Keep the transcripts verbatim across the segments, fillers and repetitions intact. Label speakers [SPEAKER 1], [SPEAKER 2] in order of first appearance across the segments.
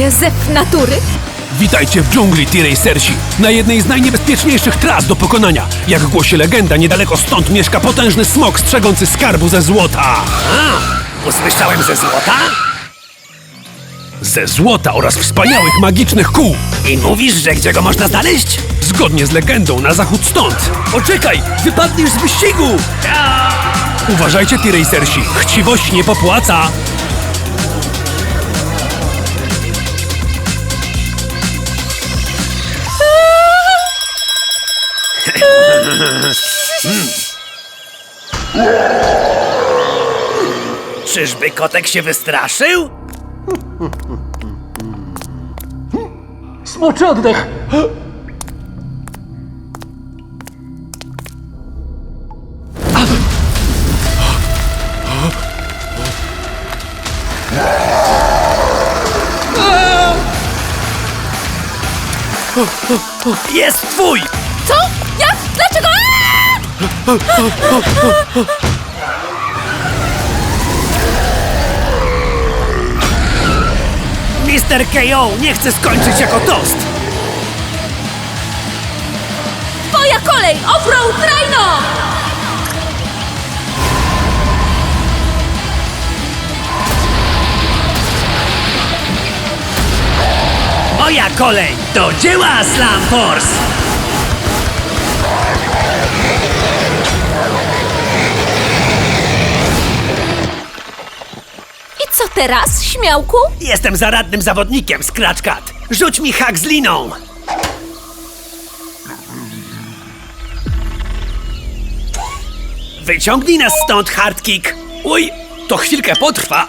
[SPEAKER 1] prawdziwy zew natury?
[SPEAKER 2] Witajcie w dżungli, T-Racersi, na jednej z najniebezpieczniejszych tras do pokonania. Jak głosi legenda, niedaleko stąd mieszka potężny smok strzegący skarbu ze złota.
[SPEAKER 3] A, usłyszałem ze złota?
[SPEAKER 2] Ze złota oraz wspaniałych magicznych kół.
[SPEAKER 3] I mówisz, że gdzie go można znaleźć?
[SPEAKER 2] Zgodnie z legendą, na zachód stąd.
[SPEAKER 3] Poczekaj, wypadniesz z wyścigu!
[SPEAKER 2] Uważajcie, T-Racersi, chciwość nie popłaca.
[SPEAKER 3] Czyżby kotek się wystraszył?
[SPEAKER 4] Smoczy oddech!
[SPEAKER 3] Jest twój!
[SPEAKER 1] Co? Jak? Dlaczego? Aaa!
[SPEAKER 3] mister K O nie chce skończyć jako tost!
[SPEAKER 1] Twoja kolej! Offroad Rhino!
[SPEAKER 3] Moja kolej! Do dzieła, Slam Force!
[SPEAKER 1] I co teraz, śmiałku?
[SPEAKER 3] Jestem zaradnym zawodnikiem, Scratch Cat. Rzuć mi hak z liną! Wyciągnij nas stąd, Hardkick! Uj, to chwilkę potrwa.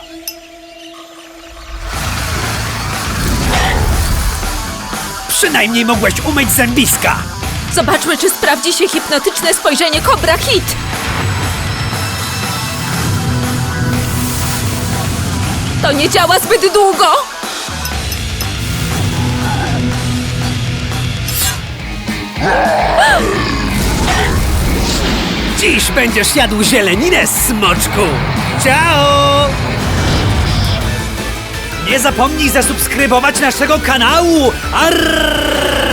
[SPEAKER 3] Przynajmniej mogłeś umyć zębiska.
[SPEAKER 1] Zobaczmy, czy sprawdzi się hipnotyczne spojrzenie Cobra Hit. To nie działa zbyt długo.
[SPEAKER 3] Dziś będziesz jadł zieleninę, smoczku! Ciao! Nie zapomnij zasubskrybować naszego kanału! Arrrrrr!